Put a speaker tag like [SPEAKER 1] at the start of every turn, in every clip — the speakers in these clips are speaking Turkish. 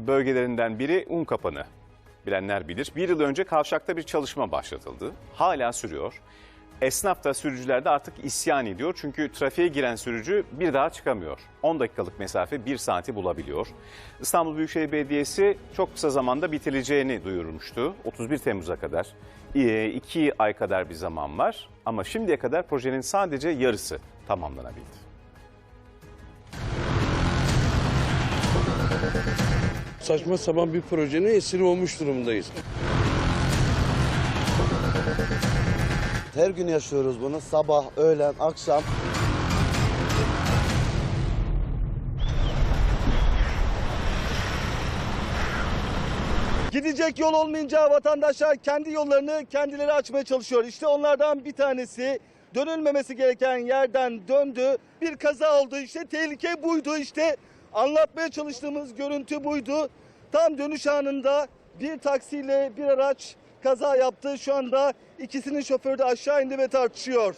[SPEAKER 1] bölgelerinden biri Unkapanı. Bilenler bilir. Bir yıl önce kavşakta bir çalışma başlatıldı. Hala sürüyor. Esnaf da sürücüler de artık isyan ediyor. Çünkü trafiğe giren sürücü bir daha çıkamıyor. 10 dakikalık mesafe 1 saati bulabiliyor. İstanbul Büyükşehir Belediyesi çok kısa zamanda bitirileceğini duyurmuştu. 31 Temmuz'a kadar 2 ay kadar bir zaman var. Ama şimdiye kadar projenin sadece yarısı tamamlanabildi.
[SPEAKER 2] Saçma sapan bir projenin esiri olmuş durumdayız.
[SPEAKER 3] Her gün yaşıyoruz bunu. Sabah, öğlen, akşam.
[SPEAKER 4] Gidecek yol olmayınca vatandaşlar kendi yollarını kendileri açmaya çalışıyor. İşte onlardan bir tanesi dönülmemesi gereken yerden döndü. Bir kaza oldu. İşte tehlike buydu. İşte anlatmaya çalıştığımız görüntü buydu. Tam dönüş anında bir taksiyle bir araç kaza yaptı. Şu anda ikisinin şoförü de aşağı indi ve tartışıyor.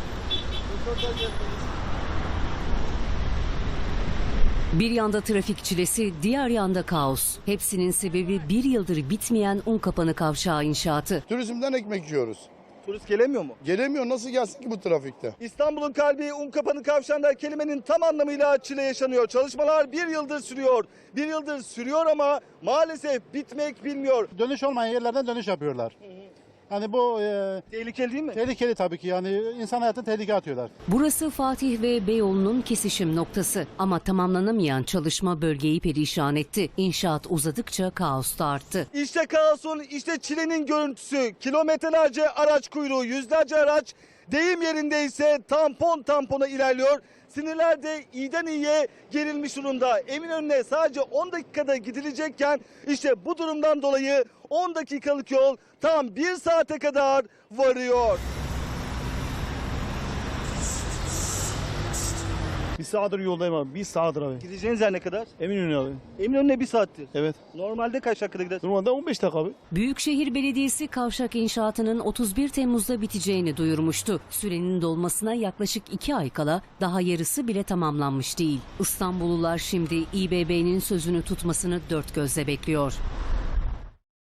[SPEAKER 5] Bir yanda trafik çilesi, diğer yanda kaos. Hepsinin sebebi bir yıldır bitmeyen Unkapanı kavşağı inşaatı.
[SPEAKER 6] Turizmden ekmek yiyoruz.
[SPEAKER 4] Turist gelemiyor mu?
[SPEAKER 6] Gelemiyor, nasıl gelsin ki bu trafikte?
[SPEAKER 4] İstanbul'un kalbi Unkapanı kavşağında kelimenin tam anlamıyla çile yaşanıyor. Çalışmalar bir yıldır sürüyor. Bir yıldır sürüyor ama maalesef bitmek bilmiyor.
[SPEAKER 7] Dönüş olmayan yerlerden dönüş yapıyorlar. Yani bu
[SPEAKER 4] Tehlikeli değil mi?
[SPEAKER 7] tehlikeli tabii ki, yani insan hayatını tehlikeye atıyorlar.
[SPEAKER 5] Burası Fatih ve Beyoğlu'nun kesişim noktası. Ama tamamlanamayan çalışma bölgeyi perişan etti. İnşaat uzadıkça kaos da arttı.
[SPEAKER 4] İşte kaosun, işte çilenin görüntüsü. Kilometrelerce araç kuyruğu, yüzlerce araç deyim yerindeyse tampon tampona ilerliyor. Sinirler de iyiden iyiye gerilmiş durumda. Eminönü'ne sadece 10 dakikada gidilecekken işte bu durumdan dolayı 10 dakikalık yol tam 1 saate kadar varıyor.
[SPEAKER 8] Bir saattir yoldayım abi. Bir saattir abi.
[SPEAKER 4] Gideceğiniz yer ne kadar?
[SPEAKER 8] Eminönü abi.
[SPEAKER 4] Eminönü'ne 1 saattir.
[SPEAKER 8] Evet.
[SPEAKER 4] Normalde kaç dakikada gider?
[SPEAKER 8] Normalde 15 dakika abi.
[SPEAKER 5] Büyükşehir Belediyesi kavşak inşaatının 31 Temmuz'da biteceğini duyurmuştu. Sürenin dolmasına yaklaşık 2 ay kala daha yarısı bile tamamlanmış değil. İstanbullular şimdi İBB'nin sözünü tutmasını dört gözle bekliyor.